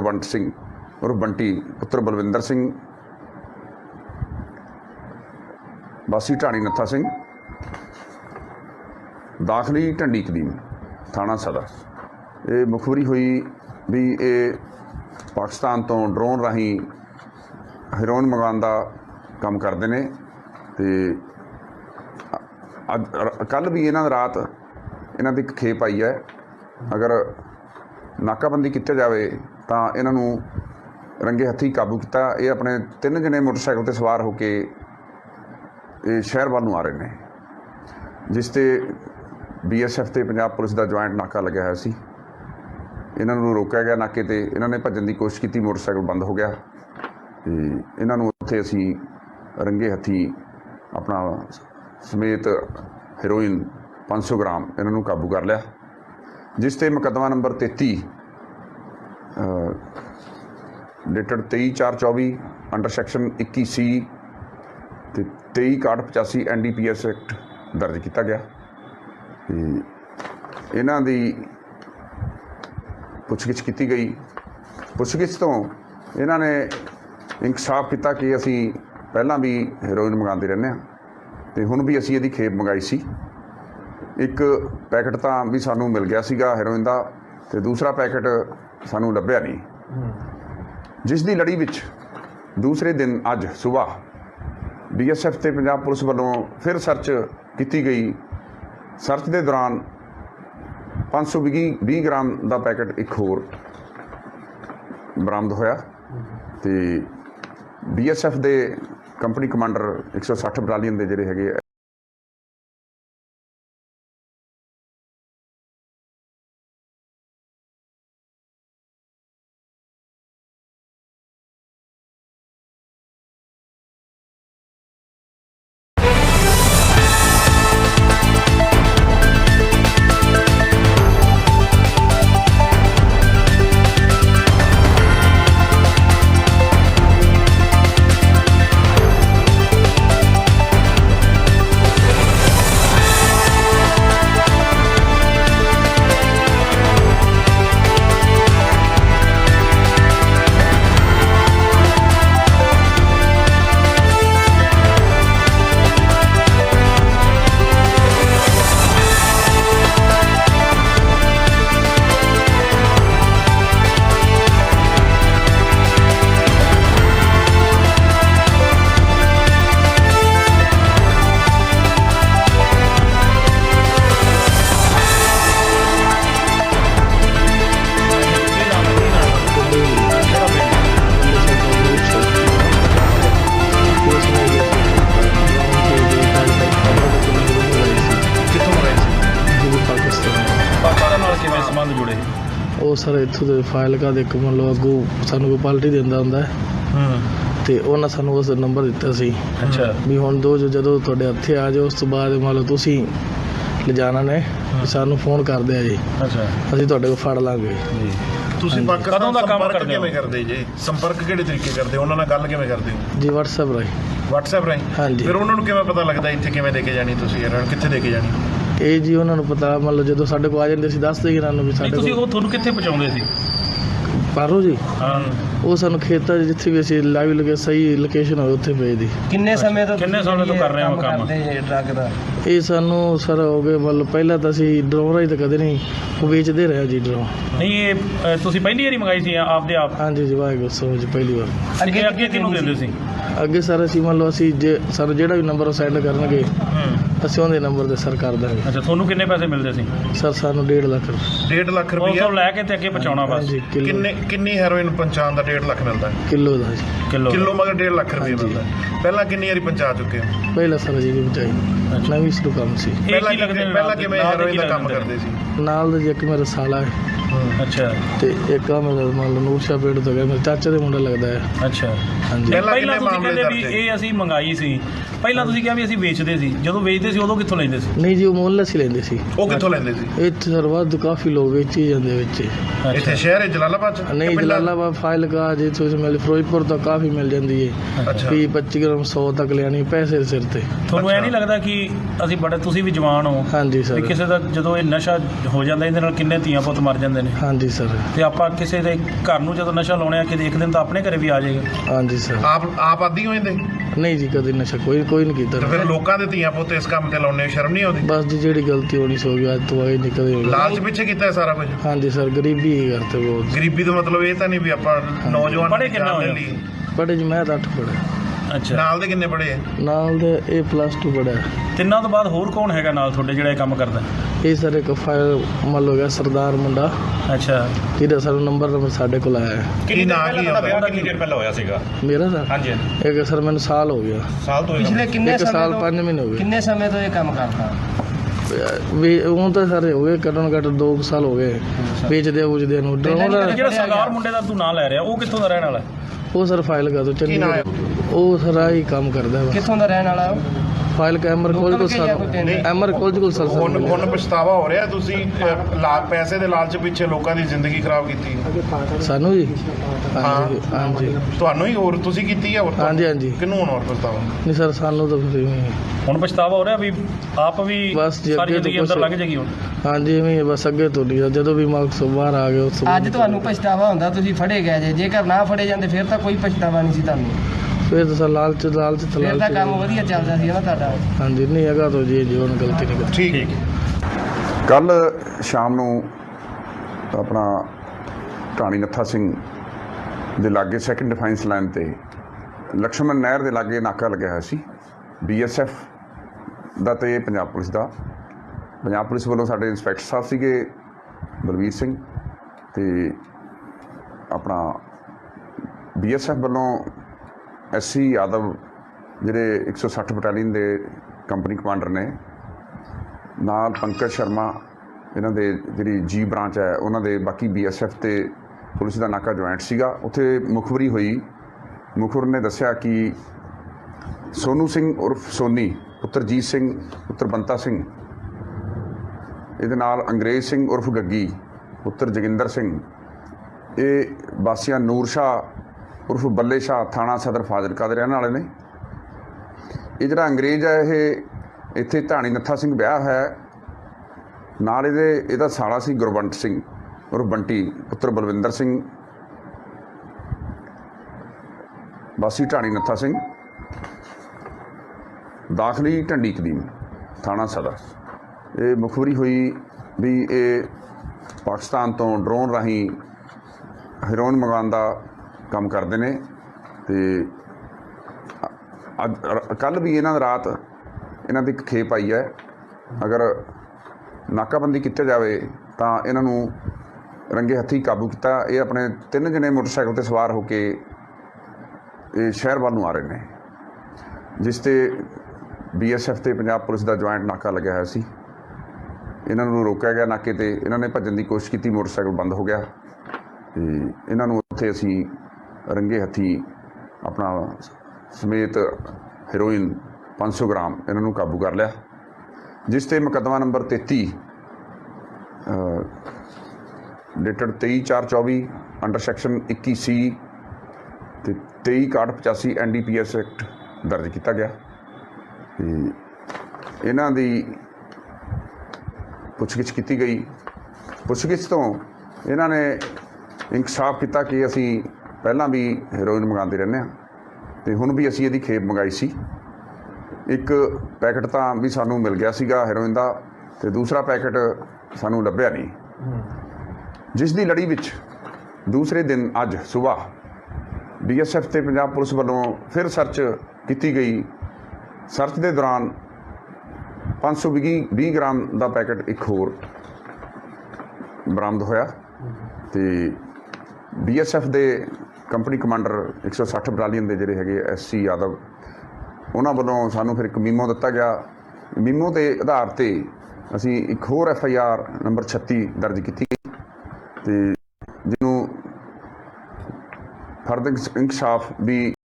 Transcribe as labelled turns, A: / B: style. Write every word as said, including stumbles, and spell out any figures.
A: ਕੁਲਵੰਤ ਸਿੰਘ ਉਰਫ ਬੰਟੀ ਪੁੱਤਰ ਬਲਵਿੰਦਰ ਸਿੰਘ ਵਾਸੀ ਢਾਣੀ ਨੱਥਾ ਸਿੰਘ ਦਾਖਲੀ ਢੰਡੀ ਕਦੀਮ ਥਾਣਾ ਸਦਰ। ਇਹ ਮੁਖਬਰੀ ਹੋਈ ਵੀ ਇਹ ਪਾਕਿਸਤਾਨ ਤੋਂ ਡਰੋਨ ਰਾਹੀਂ ਹੈਰੋਇਨ ਮੰਗਵਾਉਣ ਦਾ ਕੰਮ ਕਰਦੇ ਨੇ ਤੇ ਅੱਜ ਕੱਲ੍ਹ ਵੀ ਇਹਨਾਂ ਰਾਤ ਇਹਨਾਂ ਦੀ ਇੱਕ ਖੇਪ ਆਈ ਹੈ। ਅਗਰ ਨਾਕਾਬੰਦੀ ਕੀਤੀ ਜਾਵੇ ਤਾਂ ਇਹਨਾਂ ਨੂੰ ਰੰਗੇ ਹੱਥੀਂ ਕਾਬੂ ਕੀਤਾ। ਇਹ ਆਪਣੇ ਤਿੰਨ ਜਣੇ ਮੋਟਰਸਾਈਕਲ 'ਤੇ ਸਵਾਰ ਹੋ ਕੇ ਇਹ ਸ਼ਹਿਰ ਵੱਲ ਨੂੰ ਆ ਰਹੇ ਨੇ, ਜਿਸ 'ਤੇ ਬੀ ਐਸ ਐਫ ਅਤੇ ਪੰਜਾਬ ਪੁਲਿਸ ਦਾ ਜੁਆਇੰਟ ਨਾਕਾ ਲੱਗਿਆ ਹੋਇਆ ਸੀ। ਇਹਨਾਂ ਨੂੰ ਰੋਕਿਆ ਗਿਆ ਨਾਕੇ 'ਤੇ। ਇਹਨਾਂ ਨੇ ਭੱਜਣ ਦੀ ਕੋਸ਼ਿਸ਼ ਕੀਤੀ, ਮੋਟਰਸਾਈਕਲ ਬੰਦ ਹੋ ਗਿਆ ਅਤੇ ਇਹਨਾਂ ਨੂੰ ਉੱਥੇ ਅਸੀਂ ਰੰਗੇ ਹੱਥੀਂ ਆਪਣਾ ਸਮੇਤ ਹੈਰੋਇਨ ਪੰਜ ਸੌ ਗ੍ਰਾਮ ਇਹਨਾਂ ਨੂੰ ਕਾਬੂ ਕਰ ਲਿਆ, ਜਿਸ 'ਤੇ ਮੁਕੱਦਮਾ ਨੰਬਰ ਤੇਤੀ ਡੇਟਡ ਤੇਈ ਚਾਰ ਚੌਵੀ ਅੰਡਰ ਸੈਕਸ਼ਨ ਇੱਕੀ ਸੀ ਅਤੇ ਤੇਈ ਇਕਾਹਠ ਪਚਾਸੀ N D P S act ਦਰਜ ਕੀਤਾ ਗਿਆ। ਅਤੇ ਇਹਨਾਂ ਦੀ ਪੁੱਛਗਿੱਛ ਕੀਤੀ ਗਈ। ਪੁੱਛਗਿੱਛ ਤੋਂ ਇਹਨਾਂ ਨੇ ਇਨਕਸ਼ਾਫ ਕੀਤਾ ਕਿ ਅਸੀਂ ਪਹਿਲਾਂ ਵੀ ਹੈਰੋਇਨ ਮੰਗਵਾਉਂਦੇ ਰਹਿੰਦੇ ਹਾਂ ਅਤੇ ਹੁਣ ਵੀ ਅਸੀਂ ਇਹਦੀ ਖੇਪ ਮੰਗਵਾਈ ਸੀ। ਇੱਕ ਪੈਕਟ ਤਾਂ ਵੀ ਸਾਨੂੰ ਮਿਲ ਗਿਆ ਸੀਗਾ ਹੈਰੋਇਨ ਦਾ ਅਤੇ ਦੂਸਰਾ ਪੈਕਟ ਸਾਨੂੰ ਲੱਭਿਆ ਨਹੀਂ, ਜਿਸ ਦੀ ਲੜੀ ਵਿੱਚ ਦੂਸਰੇ ਦਿਨ ਅੱਜ ਸੁਬਾਹ ਬੀ ਐਸ ਐਫ ਅਤੇ ਪੰਜਾਬ ਪੁਲਿਸ ਵੱਲੋਂ ਫਿਰ ਸਰਚ ਕੀਤੀ ਗਈ। ਸਰਚ ਦੇ ਦੌਰਾਨ ਪੰਜ ਸੌ ਵੀਹ ਵੀਹ ਗ੍ਰਾਮ ਦਾ ਪੈਕਟ ਇੱਕ ਹੋਰ ਬਰਾਮਦ ਹੋਇਆ ਅਤੇ ਬੀ ਐਸ ਐਫ ਦੇ ਕੰਪਨੀ ਕਮਾਂਡਰ ਇੱਕ ਸੌ ਸੱਠ ਬਟਾਲੀਅਨ ਦੇ ਜਿਹੜੇ ਹੈਗੇ
B: ਉਹ ਸਰ ਇੱਥੋਂ ਦੇ ਫਾਜ਼ਿਲਕਾ ਦੇ ਇੱਕ ਮੰਨ ਲਓ ਅੱਗੋਂ ਸਾਨੂੰ ਕੋਈ ਪਾਲਟੀ ਦਿੰਦਾ ਹੁੰਦਾ ਅਤੇ ਉਹਨਾਂ ਸਾਨੂੰ ਉਸ ਨੰਬਰ ਦਿੱਤਾ ਸੀ।
C: ਅੱਛਾ
B: ਵੀ ਹੁਣ ਦੋ ਜਦੋਂ ਤੁਹਾਡੇ ਹੱਥੇ ਆ ਜਾਓ, ਉਸ ਤੋਂ ਬਾਅਦ ਮੰਨ ਲਓ ਤੁਸੀਂ ਲਿਜਾਣਾ ਨੇ, ਸਾਨੂੰ ਫੋਨ ਕਰ ਦਿਆ ਜੀ।
C: ਅੱਛਾ
B: ਅਸੀਂ ਤੁਹਾਡੇ ਕੋਲ ਫੜ ਲਾਂਗੇ ਜੀ।
D: ਤੁਸੀਂ ਪਾਕਿਸਤਾਨ
C: ਕਦੋਂ ਦਾ ਕੰਮ
D: ਸੰਪਰਕ
C: ਕਰਦੇ ਹੋ?
D: ਕਿਵੇਂ ਕਰਦੇ ਜੀ? ਸੰਪਰਕ ਕਿਹੜੇ ਤਰੀਕੇ ਕਰਦੇ ਹੋ? ਉਹਨਾਂ ਨਾਲ ਗੱਲ ਕਿਵੇਂ ਕਰਦੇ ਹੋ?
B: ਜੀ ਵਟਸਐਪ ਰਾਹੀਂ।
D: ਵਟਸਐਪ ਰਾਹੀਂ?
B: ਹਾਂਜੀ।
D: ਫਿਰ ਉਹਨਾਂ ਨੂੰ ਕਿਵੇਂ ਪਤਾ ਲੱਗਦਾ ਇੱਥੇ ਕਿਵੇਂ ਦੇ ਕੇ ਜਾਣੀ ਤੁਸੀਂ, ਇਹਨਾਂ ਨੂੰ ਕਿੱਥੇ ਦੇ ਕੇ ਜਾਣੀ?
B: ਇਹ ਜੀ ਉਹਨਾਂ ਨੂੰ ਪਤਾ ਮੰਨ ਲਓ ਜਦੋਂ ਸਾਡੇ ਕੋਲ ਆ ਜਾਂਦੇ ਸੀ ਦੱਸ ਦੇਈਏ ਇਹਨਾਂ ਨੂੰ ਵੀ ਸਾਡੇ
C: ਤੁਸੀਂ
B: ਕੋਲ
C: ਉਹ ਤੁਹਾਨੂੰ ਕਿੱਥੇ ਪਹੁੰਚਾਉਂਦੇ ਸੀ?
B: ਪਾਰੋ ਜੀ
C: ਹਾਂ
B: ਉਹ ਸਾਨੂੰ ਖੇਤਾਂ 'ਚ ਜਿੱਥੇ ਵੀ ਅਸੀਂ ਲਾਈਵ ਲਗੇ ਸਹੀ ਲੋਕੇਸ਼ਨ ਹੋਵੇ ਉੱਥੇ ਭੇਜਦੀ।
E: ਕਿੰਨੇ ਸਮੇਂ ਤੋਂ
C: ਕਿੰਨੇ ਸਮੇਂ ਤੋਂ ਕਰ ਰਹੇ ਹੋ ਕੰਮ?
E: ਟਰੱਕ ਦਾ
B: ਇਹ ਸਾਨੂੰ ਸਰ ਹੋ ਗਏ ਮਤਲਬ ਪਹਿਲਾਂ ਤਾਂ ਅਸੀਂ ਡਰੋਨ ਰਾਹੀਂ ਤਾਂ ਕਦੇ ਨਹੀਂ, ਉਹ ਵੇਚਦੇ ਰਹੇ ਜੀ ਡਰੋਨ।
C: ਨਹੀਂ ਇਹ ਅ, ਤੁਸੀਂ ਪਹਿਲੀ ਵਾਰੀ ਮੰਗਾਈ ਸੀ ਆਪਦੇ ਆਪ?
B: ਹਾਂਜੀ ਜੀ ਵਾਹਿਗੁਰੂ ਸੋਚ ਪਹਿਲੀ ਵਾਰ।
C: ਅੱਗੇ ਅੱਗੇ ਕਿਹਨੂੰ ਦਿੰਦੇ ਸੀ?
B: ਅੱਗੇ ਸਰ ਅਸੀਂ ਮੰਨ ਲਓ ਅਸੀਂ ਜੇ ਸਰ ਜਿਹੜਾ ਵੀ ਨੰਬਰ ਸੈਂਡ ਕਰਨਗੇ ਅਸੀਂ ਉਹਦੇ ਨੰਬਰ 'ਤੇ ਸਰ ਕਰ ਦਾਂਗੇ।
C: ਅੱਛਾ ਤੁਹਾਨੂੰ ਕਿੰਨੇ ਪੈਸੇ ਮਿਲਦੇ ਸੀ?
B: ਸਰ ਸਾਨੂੰ ਡੇਢ ਲੱਖ
D: ਡੇਢ ਲੱਖ
C: ਉਹ
D: ਰੁਪਈਆ
C: ਤੋਂ ਲੈ ਕੇ ਤੇ ਅੱਗੇ ਪਹੁੰਚਾਉਣਾ ਬਸ?
B: ਹਾਂਜੀ ਕਿਲੋ
D: ਕਿੰਨੇ ਕਿੰਨੀ ਹੈਰੋਇਨ ਪਹੁੰਚਾਉਣ ਦਾ ਡੇਢ ਲੱਖ ਮਿਲਦਾ?
B: ਕਿਲੋ ਦਾ ਜੀ।
C: ਕਿਲੋ
D: ਕਿਲੋ ਮਗਰ ਡੇਢ ਲੱਖ ਰੁਪਈਆ ਮਿਲਦਾ। ਪਹਿਲਾਂ ਕਿੰਨੀ ਵਾਰੀ ਪਹੁੰਚਾ ਚੁੱਕੇ ਹੋ?
B: ਪਹਿਲਾਂ ਸਰ ਜੀ ਵੀ ਬਚਾਈ ਨਵੀਂ ਸ਼ੁਰੂ ਕੰਮ ਸੀ।
C: ਇਹ
D: ਪਹਿਲਾਂ
C: ਕੀ ਲੱਗਦੇ ਨੇ?
D: ਪਹਿਲਾਂ ਕਿਵੇਂ
C: ਨਾਲ ਦੇ
D: ਹੈਰੋਇਨ
C: ਕੀ
D: ਦਾ ਕੰਮ
C: ਲੱਗਦੇ
D: ਕਰਦੇ ਸੀ?
B: ਨਾਲ ਦਾ ਜੀ ਇੱਕ ਮੇਰਾ ਸਾਲਾ ਹੈ
C: ਅੱਛਾ
B: ਤੇ ਇੱਕ ਆ ਮੇਰਾ ਮੰਨ ਲਓ ਨੂਰ ਸ਼ਾਹ ਪਿੰਡ ਤੋਂ ਗਿਆ, ਮੇਰੇ ਚਾਚੇ ਦੇ ਮੁੰਡਾ ਲੱਗਦਾ ਹੈ।
C: ਅੱਛਾ
B: ਹਾਂਜੀ
D: ਪਹਿਲਾਂ
C: ਪਹਿਲਾਂ
D: ਕਿੰਨੇ
C: ਤੁਸੀਂ ਕਹਿੰਦੇ
D: ਮਾਮਲੇ
C: ਵੀ
D: ਦਰਜ?
C: ਇਹ ਅਸੀਂ ਮੰਗਾਈ ਸੀ, ਪਹਿਲਾਂ ਤੁਸੀਂ ਕਿਹਾ ਵੀ ਅਸੀਂ ਵੇਚਦੇ ਸੀ, ਜਦੋਂ ਵੇਚਦੇ ਸੀ ਉਦੋਂ ਕਿੱਥੋਂ ਲੈਂਦੇ ਸੀ?
B: ਨਹੀਂ ਜੀ ਉਹ ਮੁੱਲ ਅਸੀਂ ਲੈਂਦੇ ਸੀ।
D: ਉਹ ਕਿੱਥੋਂ ਲੈਂਦੇ ਸੀ?
B: ਇੱਥੇ ਸਰ ਵੱਧ ਕਾਫੀ ਲੋਕ ਵੇਚੀ ਜਾਂਦੇ ਵਿੱਚ।
D: ਇੱਥੇ ਸ਼ਹਿਰ ਹੈ ਜਲਾਲਾਬਾਦ ਚ?
B: ਨਹੀਂ ਜਲਾਲਾਬਾਦ ਫਾਜ਼ਿਲਕਾ ਜੇ ਤੁਸੀਂ ਮਿਲ ਫਿਰੋਜ਼ਪੁਰ ਤੋਂ ਕਾਫੀ ਮਿਲ ਜਾਂਦੀ ਹੈ।
D: ਅੱਛਾ
B: ਵੀਹ ਪੱਚੀ ਗ੍ਰਾਮ ਸੌ ਤੱਕ ਲਿਆਣੀ ਪੈਸੇ ਸਿਰ ਤੇ।
C: ਤੁਹਾਨੂੰ ਇਹ ਨਹੀਂ ਲੱਗਦਾ ਕਿ ਅਸੀਂ ਬੜੇ, ਤੁਸੀਂ ਵੀ ਜਵਾਨ ਹੋ
B: ਹਾਂਜੀ
C: ਵੀ
B: ਸਰ
C: ਕਿਸੇ ਦਾ ਜਦੋਂ ਇਹ ਨਸ਼ਾ ਹੋ ਜਾਂਦਾ ਇਹਦੇ ਨਾਲ ਕਿੰਨੇ ਧੀਆਂ ਪੁੱਤ ਮਰ ਜਾਂਦੇ ਦਿੰਦੇ ਨੇ
B: ਹਾਂਜੀ ਸਰ।
C: ਤੇ ਆਪਾਂ ਕਿਸੇ ਦੇ ਘਰ ਨੂੰ ਜਦੋਂ ਨਸ਼ਾ ਲਾਉਣੇ ਆ ਕਿ ਦੇਖਦੇ ਨੇ ਤਾਂ ਆਪਣੇ ਘਰੇ ਵੀ ਆ ਜਾਏਗਾ।
B: ਹਾਂਜੀ ਸਰ।
D: ਆਪ ਆਪ ਆਦੀ ਹੋ ਜਾਂਦੇ
B: ਨਹੀਂ ਜੀ, ਕਦੇ ਨਸ਼ਾ ਕੋਈ ਕੋਈ ਨਹੀਂ ਕੀਤਾ।
D: ਤੇ ਫਿਰ ਲੋਕਾਂ ਦੇ ਧੀਆਂ ਪੁੱਤ ਇਸ ਕੰਮ ਤੇ ਲਾਉਣੇ ਸ਼ਰਮ ਨਹੀਂ ਆਉਂਦੀ?
B: ਬਸ ਜੀ ਜਿਹੜੀ ਗਲਤੀ ਹੋਣੀ ਸੋ ਗਈ, ਅੱਜ ਤੋਂ ਬਾਅਦ ਨਹੀਂ ਕਦੇ ਹੋਣੀ।
D: ਲਾਲਚ ਪਿੱਛੇ ਕੀਤਾ ਇਹ ਸਾਰਾ ਕੁਝ?
B: ਹਾਂਜੀ ਸਰ, ਗਰੀਬੀ ਹੀ ਕਰਤੇ ਬਹੁਤ।
D: ਗਰੀਬੀ ਦਾ ਮਤਲਬ ਇਹ ਤਾਂ ਨਹੀਂ ਵੀ ਆਪਾਂ ਨੌਜਵਾਨ
C: ਪੜ੍ਹੇ ਕਿੰਨਾ ਹੋਏ?
D: ਲਈ
B: ਪੜ੍ਹੇ ਜੀ, ਮੈਂ ਤਾਂ ਅੱਠ ਪੜ੍ਹਿਆ।
C: ਅੱਛਾ,
D: ਨਾਲ ਦੇ ਕਿੰਨੇ ਪੜ੍ਹੇ ਆ?
B: ਨਾਲ ਦੇ ਇਹ ਪਲੱਸ ਟੂ ਪੜ੍ਹਿਆ।
C: ਤਿੰਨਾਂ ਤੋਂ ਬਾਅਦ ਹੋਰ ਕੌਣ ਹੈਗਾ ਨਾਲ ਤੁਹਾਡੇ ਜਿਹੜਾ ਇਹ ਕੰਮ ਕਰਦਾ?
B: ਇਹ ਸਰ ਇੱਕ ਫਾਇਰ ਮੰਨ ਲਓ ਗਿਆ ਸਰਦਾਰ ਮੁੰਡਾ,
C: ਅੱਛਾ,
B: ਜਿਹਦਾ ਸਰ ਨੰਬਰ ਸਾਡੇ ਕੋਲ ਆਇਆ ਹੈ।
D: ਕੀ ਨਾਂ ਕੀ
E: ਤੁਹਾਡਾ ਵਿਆਹ
D: ਉਹਦਾ?
E: ਕਿੰਨੀ ਦੇਰ ਪਹਿਲਾਂ ਹੋਇਆ ਸੀਗਾ?
B: ਮੇਰਾ ਸਰ
E: ਹਾਂਜੀ ਹਾਂਜੀ।
B: ਇੱਕ ਸਰ ਮੈਨੂੰ ਸਾਲ ਹੋ ਗਿਆ।
E: ਸਾਲ ਤੋਂ
F: ਪਿਛਲੇ ਕਿੰਨੇ
B: ਇੱਕ
F: ਸਮੇਂ
B: ਸਾਲ
F: ਤੋਂ
B: ਪੰਜ ਮਹੀਨੇ ਹੋ ਗਏ।
F: ਕਿੰਨੇ ਸਮੇਂ ਤੋਂ ਇਹ ਕੰਮ ਕਰਦਾ?
B: ਵੀ ਉਹ ਤਾਂ ਸਾਰੇ ਹੋ ਗਏ ਘੱਟੋ ਘੱਟ ਦੋ ਕੁ ਸਾਲ ਹੋ ਗਏ ਵੇਚਦੇ ਵੁਚਦੇ ਨੂੰ।
F: ਪਹਿਲਾਂ
B: ਡਰਾਉਣ
C: ਜਿਹੜਾ ਸਰਦਾਰ ਮੁੰਡੇ ਦਾ ਤੂੰ ਨਾਂ ਲੈ ਰਿਹਾ ਉਹ ਕਿੱਥੋਂ ਦਾ ਰਹਿਣ ਵਾਲਾ ਹੈ?
B: ਉਹ ਸਰ ਫਾਈਲ ਕਰ ਦੋ
D: ਕੀ ਨਾਂ ਹੈ?
B: ਚੰਡੀਗੜ੍ਹ। ਉਹ ਸਰ ਆਹੀ ਕੰਮ ਕਰਦਾ ਵਾ।
F: ਕਿੱਥੋਂ ਦਾ ਰਹਿਣ ਵਾਲਾ ਉਹ?
B: ਫਾਈਲ ਕਾ ਐਮਰ ਕੋਲ ਕੋਲ ਸਰ ਐਮਰ ਕੋਲ ਕੋਲ ਸਰ
D: ਹੁਣ ਹੁਣ ਪਛਤਾਵਾ ਹੋ ਰਿਹਾ ਤੁਸੀਂ ਅਹ, ਲਾ ਪੈਸੇ ਦੇ ਲਾਲਚ ਪਿੱਛੇ ਲੋਕਾਂ ਦੀ ਜ਼ਿੰਦਗੀ ਖਰਾਬ ਕੀਤੀ?
B: ਸਾਨੂੰ ਜੀ। ਹਾਂਜੀ ਹਾਂਜੀ
D: ਤੁਹਾਨੂੰ ਹੀ ਹੋਰ ਤੁਸੀਂ ਕੀਤੀ ਆ ਹੋਰ ਤੁਹਾਨੂੰ?
B: ਹਾਂਜੀ ਹਾਂਜੀ।
D: ਕਿਹਨੂੰ ਹੁਣ ਹੋਰ ਪਛਤਾਵਾ?
B: ਨਹੀਂ ਸਰ, ਸਾਨੂੰ ਤਾਂ ਫਿਰ ਇਵੇਂ ਹੀ ਹੈ।
C: ਹੁਣ ਪਛਤਾਵਾ ਹੋ ਰਿਹਾ ਵੀ ਆਪ ਵੀ
B: ਬਸ ਜੀ,
C: ਸਾਰੀ
B: ਅੱਗੇ ਤੋਂ
C: ਜ਼ਿੰਦਗੀ ਅੰਦਰ
B: ਕੁਛ-
C: ਲੰਘ ਜਾਏਗੀ ਹੁਣ।
B: ਹਾਂਜੀ ਇਵੇਂ ਹੀ ਹੈ, ਬਸ ਅੱਗੇ ਤੋਂ ਨਹੀਂ। ਜਦੋਂ ਵੀ ਮਾਰਕਸ ਬਾਹਰ ਆ ਗਏ ਉਸ ਤੋਂ
F: ਅੱਜ ਤੁਹਾਨੂੰ ਪਛਤਾਵਾ ਹੁੰਦਾ ਤੁਸੀਂ ਫੜੇ ਗਏ ਜੇ, ਜੇਕਰ ਨਾ ਫੜੇ ਜਾਂਦੇ ਫਿਰ ਤਾਂ ਕੋਈ ਪਛਤਾਵਾ ਨਹੀਂ ਸੀ ਤੁਹਾਨੂੰ?
B: ਫਿਰ ਤਾਂ ਸਰ ਲਾਲਚ ਲਾਲਚ
F: ਫਿਰ ਤਾਂ
B: ਤਲਾਲਚ।
F: ਕੰਮ ਵਧੀਆ ਚੱਲਦਾ ਸੀ ਨਾ ਤੁਹਾਡਾ।
B: ਹਾਂਜੀ ਨਹੀਂ ਹੈਗਾ ਤਾਂ ਜੀ ਜੀਵਨ ਗਲਤੀ ਨਹੀਂ ਕਰ।
D: ਠੀਕ
A: ਕੱਲ ਸ਼ਾਮ ਨੂੰ ਆਪਣਾ ਢਾਣੀ ਨੱਥਾ ਸਿੰਘ ਦੇ ਲਾਗੇ ਸੈਕੰਡ ਡਿਫੈਂਸ ਲਾਈਨ ਤੇ ਲਕਸ਼ਮਣ ਨਹਿਰ ਦੇ ਲਾਗੇ ਨਾਕਾ ਲੱਗਿਆ ਹੋਇਆ ਸੀ ਬੀਐਸਐਫ ਦਾ ਤੇ ਪੰਜਾਬ ਪੁਲਿਸ ਦਾ। ਪੰਜਾਬ ਪੁਲਿਸ ਵੱਲੋਂ ਸਾਡੇ ਇੰਸਪੈਕਟਰ ਸਾਹਿਬ ਸੀਗੇ ਬਲਵੀਰ ਸਿੰਘ, ਤੇ ਆਪਣਾ ਬੀਐਸਐਫ ਵੱਲੋਂ ਐਸਸੀ ਯਾਦਵ ਜਿਹੜੇ ਇੱਕ ਸੌ ਸੱਠ ਬਟਾਲੀਅਨ ਦੇ ਕੰਪਨੀ ਕਮਾਂਡਰ ਨੇ, ਨਾਲ ਪੰਕਜ ਸ਼ਰਮਾ ਇਹਨਾਂ ਦੇ ਜਿਹੜੀ ਜੀ ਬ੍ਰਾਂਚ ਹੈ ਉਹਨਾਂ ਦੇ, ਬਾਕੀ ਬੀਐਸਐਫ ਤੇ ਪੁਲਿਸ ਦਾ ਨਾਕਾ ਜੁਆਇੰਟ ਸੀਗਾ। ਉੱਥੇ ਮੁਖਬਰੀ ਹੋਈ। ਮੁਖਬਰ ਨੇ ਦੱਸਿਆ ਕਿ ਸੋਨੂ ਸਿੰਘ ਉਰਫ ਸੋਨੀ ਪੁੱਤਰ ਜੀਤ ਸਿੰਘ ਪੁੱਤਰ ਬੰਤਾ ਸਿੰਘ, ਇਹਦੇ ਨਾਲ ਅੰਗਰੇਜ਼ ਸਿੰਘ ਉਰਫ ਗੱਗੀ ਪੁੱਤਰ ਜੋਗਿੰਦਰ ਸਿੰਘ, ਇਹ ਵਾਸੀਆਂ ਨੂਰ ਸ਼ਾਹ ਉਰਫ ਬੱਲੇ ਸ਼ਾਹ ਥਾਣਾ ਸਦਰ ਫਾਜ਼ਿਲਕਾ ਦੇ ਰਹਿਣ ਵਾਲੇ ਨੇ। ਇਹ ਜਿਹੜਾ ਅੰਗਰੇਜ਼ ਹੈ ਇਹ ਇੱਥੇ ਢਾਣੀ ਨੱਥਾ ਸਿੰਘ ਵਿਆਹ ਹੈ, ਨਾਲ ਇਹਦੇ ਇਹਦਾ ਸਾਲਾ ਸੀ ਗੁਰਬੰਟ ਸਿੰਘ ਉਰਫ ਬੰਟੀ ਪੁੱਤਰ ਬਲਵਿੰਦਰ ਸਿੰਘ ਵਾਸੀ ਢਾਣੀ ਨੱਥਾ ਸਿੰਘ, ਦਾਖਲੀ ਢੰਡੀ ਕਦੀਮ ਥਾਣਾ ਸਦਰ। ਇਹ ਮੁਖਬਰੀ ਹੋਈ ਵੀ ਇਹ ਪਾਕਿਸਤਾਨ ਤੋਂ ਡਰੋਨ ਰਾਹੀਂ ਹੈਰੋਇਨ ਮੰਗਵਾਉਣ ਦਾ ਕੰਮ ਕਰਦੇ ਨੇ। ਤੇ ਅੱਜ ਕੱਲ੍ਹ ਵੀ ਇਹਨਾਂ ਦੀ ਰਾਤ ਇਹਨਾਂ ਦੀ ਇੱਕ ਖੇਪ ਆਈ ਹੈ। ਅਗਰ ਨਾਕਾਬੰਦੀ ਕੀਤੀ ਜਾਵੇ ਤਾਂ ਇਹਨਾਂ ਨੂੰ ਰੰਗੇ ਹੱਥੀਂ ਕਾਬੂ ਕੀਤਾ। ਇਹ ਆਪਣੇ ਤਿੰਨ ਜਣੇ ਮੋਟਰਸਾਈਕਲ 'ਤੇ ਸਵਾਰ ਹੋ ਕੇ ਇਹ ਸ਼ਹਿਰ ਵੱਲ ਨੂੰ ਆ ਰਹੇ ਨੇ, ਜਿਸ 'ਤੇ ਬੀ ਐਸ ਐਫ ਤੇ ਪੰਜਾਬ ਪੁਲਿਸ ਦਾ ਜੁਆਇੰਟ ਨਾਕਾ ਲੱਗਿਆ ਹੋਇਆ ਸੀ। ਇਹਨਾਂ ਨੂੰ ਰੋਕਿਆ ਗਿਆ ਨਾਕੇ 'ਤੇ। ਇਹਨਾਂ ਨੇ ਭੱਜਣ ਦੀ ਕੋਸ਼ਿਸ਼ ਕੀਤੀ, ਮੋਟਰਸਾਈਕਲ ਬੰਦ ਹੋ ਗਿਆ ਤੇ ਇਹਨਾਂ ਨੂੰ ਉੱਥੇ ਅਸੀਂ ਰੰਗੇ ਹੱਥੀਂ ਆਪਣਾ ਸਮੇਤ ਹੈਰੋਇਨ ਪੰਜ ਸੌ ਗ੍ਰਾਮ ਇਹਨਾਂ ਨੂੰ ਕਾਬੂ ਕਰ ਲਿਆ, ਜਿਸ 'ਤੇ ਮੁਕੱਦਮਾ ਨੰਬਰ ਤੇਤੀ ਡੇਟਡ ਤੇਈ ਚਾਰ ਚੌਵੀ ਅੰਡਰ ਸੈਕਸ਼ਨ ਇੱਕੀ ਸੀ ਅਤੇ ਤੇਈ ਇਕਾਹਠ ਪਚਾਸੀ N D P S act ਦਰਜ ਕੀਤਾ ਗਿਆ। ਅਤੇ ਇਹਨਾਂ ਦੀ ਪੁੱਛਗਿੱਛ ਕੀਤੀ ਗਈ। ਪੁੱਛਗਿੱਛ ਤੋਂ ਇਹਨਾਂ ਨੇ ਇਨਕਸ਼ਾਫ ਕੀਤਾ ਕਿ ਅਸੀਂ ਪਹਿਲਾਂ ਵੀ ਹੈਰੋਇਨ ਮੰਗਵਾਉਂਦੇ ਰਹਿੰਦੇ ਹਾਂ ਅਤੇ ਹੁਣ ਵੀ ਅਸੀਂ ਇਹਦੀ ਖੇਪ ਮੰਗਾਈ ਸੀ। ਇੱਕ ਪੈਕਟ ਤਾਂ ਵੀ ਸਾਨੂੰ ਮਿਲ ਗਿਆ ਸੀਗਾ ਹੈਰੋਇਨ ਦਾ, ਅਤੇ ਦੂਸਰਾ ਪੈਕਟ ਸਾਨੂੰ ਲੱਭਿਆ ਨਹੀਂ, ਜਿਸ ਦੀ ਲੜੀ ਵਿੱਚ ਦੂਸਰੇ ਦਿਨ ਅੱਜ ਸੁਬਾਹ ਬੀ ਐਸ ਐਫ ਅਤੇ ਪੰਜਾਬ ਪੁਲਿਸ ਵੱਲੋਂ ਫਿਰ ਸਰਚ ਕੀਤੀ ਗਈ। ਸਰਚ ਦੇ ਦੌਰਾਨ ਪੰਜ ਸੌ ਵੀਹ ਵੀਹ ਗ੍ਰਾਮ ਦਾ ਪੈਕਟ ਇੱਕ ਹੋਰ ਬਰਾਮਦ ਹੋਇਆ ਅਤੇ ਬੀ ਐਸ ਐਫ ਦੇ ਕੰਪਨੀ ਕਮਾਂਡਰ ਇੱਕ ਸੌ ਸੱਠ ਬਟਾਲੀਅਨ ਦੇ ਜਿਹੜੇ ਹੈਗੇ ਐਸ ਸੀ ਯਾਦਵ, ਉਹਨਾਂ ਵੱਲੋਂ ਸਾਨੂੰ ਫਿਰ ਇੱਕ ਮੀਮੋ ਦਿੱਤਾ ਗਿਆ। ਮੀਮੋ ਦੇ ਆਧਾਰ 'ਤੇ ਅਸੀਂ ਇੱਕ ਹੋਰ ਐਫ ਆਈ ਆਰ ਨੰਬਰ ਛੱਤੀ ਦਰਜ ਕੀਤੀ ਗਈ ਅਤੇ ਜਿਹਨੂੰ ਫਰਦਰ ਇਨਕਸ਼ਾਫ ਵੀ